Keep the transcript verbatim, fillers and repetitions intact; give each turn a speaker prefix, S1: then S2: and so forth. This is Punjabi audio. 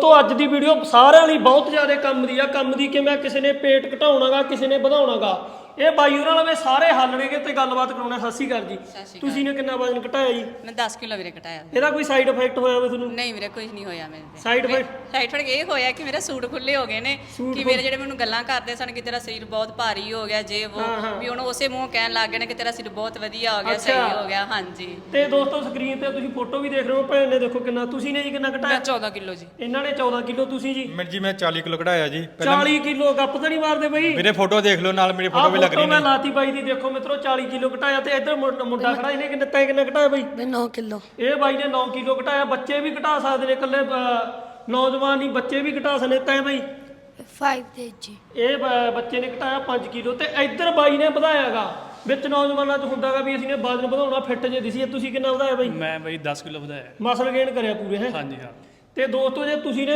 S1: ਦੋਸਤੋ ਅੱਜ ਦੀ ਵੀਡੀਓ ਸਾਰਿਆਂ ਲਈ ਬਹੁਤ ਜ਼ਿਆਦਾ ਕੰਮ ਦੀ ਆ ਕੰਮ ਦੀ ਕਿ ਮੈਂ ਕਿਸੇ ਨੇ ਪੇਟ ਘਟਾਉਣਾਗਾ ਕਿਸੇ ਨੇ ਵਧਾਉਣਾਗਾ ਇਹ ਬਾਈ ਉਹਨਾਂ ਨਾਲ ਸਾਰੇ ਹੱਲ ਨੇਗੇ ਤੇ ਗੱਲਬਾਤ ਕਰਾਉਣਾ। ਸਤਿ ਸ਼੍ਰੀ ਅਕਾਲ ਜੀ। ਤੁਸੀਂ ਨੇ ਕਿੰਨਾ ਵਜ਼ਨ ਘਟਾਇਆ ਜੀ?
S2: ਮੈਂ ਦਸ ਕਿਲੋ ਵੀਰੇ ਘਟਾਇਆ।
S1: ਇਹਦਾ ਕੋਈ ਸਾਈਡ ਇਫੈਕਟ ਹੋਇਆ ਵੇ ਤੁਹਾਨੂੰ?
S2: ਨਹੀਂ ਵੀਰੇ ਕੁਝ ਨਹੀਂ ਹੋਇਆ ਮੇਰੇ ਤੇ।
S1: ਸਾਈਡ ਇਫੈਕਟ
S2: ਸਾਈਡ ਇਫੈਕਟ ਇਹ ਹੋਇਆ ਕਿ ਮੇਰੇ ਸੂਟ ਖੁੱਲੇ ਹੋ ਗਏ ਨੇ ਕਿ ਮੇਰੇ ਜਿਹੜੇ ਮੈਨੂੰ ਗੱਲਾਂ ਕਰਦੇ ਸਨ ਕਿ ਤੇਰਾ ਸਰੀਰ ਬਹੁਤ ਭਾਰੀ ਹੋ ਗਿਆ ਜੇ ਉਹ ਵੀ ਹੁਣ ਉਸੇ ਮੂੰਹ ਕਹਿਣ ਲੱਗ ਗਏ ਨੇ ਕਿ ਤੇਰਾ ਸਰੀਰ ਬਹੁਤ ਵਧੀਆ ਹੋ ਗਿਆ ਸਹੀ ਹੋ ਗਿਆ। ਹਾਂਜੀ
S1: ਤੇ ਦੋਸਤੋ ਸਕਰੀਨ ਤੇ ਤੁਸੀਂ ਫੋਟੋ ਵੀ ਦੇਖ ਰਹੇ ਹੋ ਭੈਣ ਨੇ ਦੇਖੋ ਕਿੰਨਾ। ਤੁਸੀਂ ਨੇ ਜੀ ਕਿੰਨਾ ਘਟਾਇਆ?
S2: ਮੈਂ ਚੌਦਾਂ ਕਿਲੋ ਜੀ।
S1: ਇਹਨਾਂ ਨੇ ਚੌਦਾਂ ਕਿਲੋ। ਤੁਸੀਂ ਜੀ?
S3: ਮੈਂ ਜੀ ਮੈਂ ਚਾਲੀ ਕਿਲੋ ਘਟਾਇਆ ਜੀ।
S1: ਚਾਲੀ ਕਿਲੋ ਗੱਪ ਤਾਂ ਨਹੀਂ ਮਾਰਦੇ ਬਈ?
S3: ਮੇਰੇ ਫੋਟੋ ਦੇਖ ਲਓ ਨਾਲ ਮੇਰੀ ਫੋਟੋ ਵੀ ਲੱਗ ਰਹੀ
S1: ਮੈਂ ਲਾਤੀ ਬਾਈ ਦੀ ਦੇਖੋ ਮਿੱਤਰੋ ਚਾਲੀ ਕਿਲੋ ਘਟਾਇਆ ਤੇ ਇੱਧਰ ਮੁੰਡਾ ਖੜਾ ਇਹਨੇ ਕਿੰਨਾ ਤੈਂ ਕਿੰਨਾ ਘਟਾਇਆ ਬਾਈ?
S4: ਮੈਂ ਨੌ ਕਿਲੋ।
S1: ਇਹ ਬਾਈ ਨੇ ਨੌ ਕਿਲੋ ਘਟਾਇਆ। ਬੱਚੇ ਵੀ ਘਟਾ ਸਕਦੇ ਨੇ ਇਕੱਲੇ ਨੌਜਵਾਨ ਨਹੀਂ ਬੱਚੇ ਵੀ ਘਟਾ ਸਕਦੇ। ਤੈਂ ਬਾਈ?
S4: ਪੰਜ ਕੇਜੀ।
S1: ਇਹ ਬ- ਬੱਚੇ ਨੇ ਘਟਾਇਆ ਪੰਜ ਕਿਲੋ ਤੇ ਇੱਧਰ ਬਾਈ ਨੇ ਵਧਾਇਆਗਾ। ਵਿੱਚ ਨੌਜਵਾਨਾਂ 'ਚ ਹੁੰਦਾਗਾ ਵੀ ਅਸੀਂ ਨੇ ਵਜ਼ਨ ਵਧਾਉਣਾ ਫਿੱਟ ਜੇ ਦਿਸੀ। ਤੁਸੀਂ ਕਿੰਨਾ ਵਧਾਇਆ ਬਾਈ?
S5: ਮੈਂ ਬਈ ਦਸ ਕਿਲੋ ਵਧਾਇਆ।
S1: ਮਸਲ ਗੇਨ ਕਰਿਆ ਪੂਰੇ ਹੈ?
S5: ਹਾਂਜੀ ਹਾਂ।
S1: ਤੇ ਦੋਸਤੋ ਜੇ ਤੁਸੀਂ ਨੇ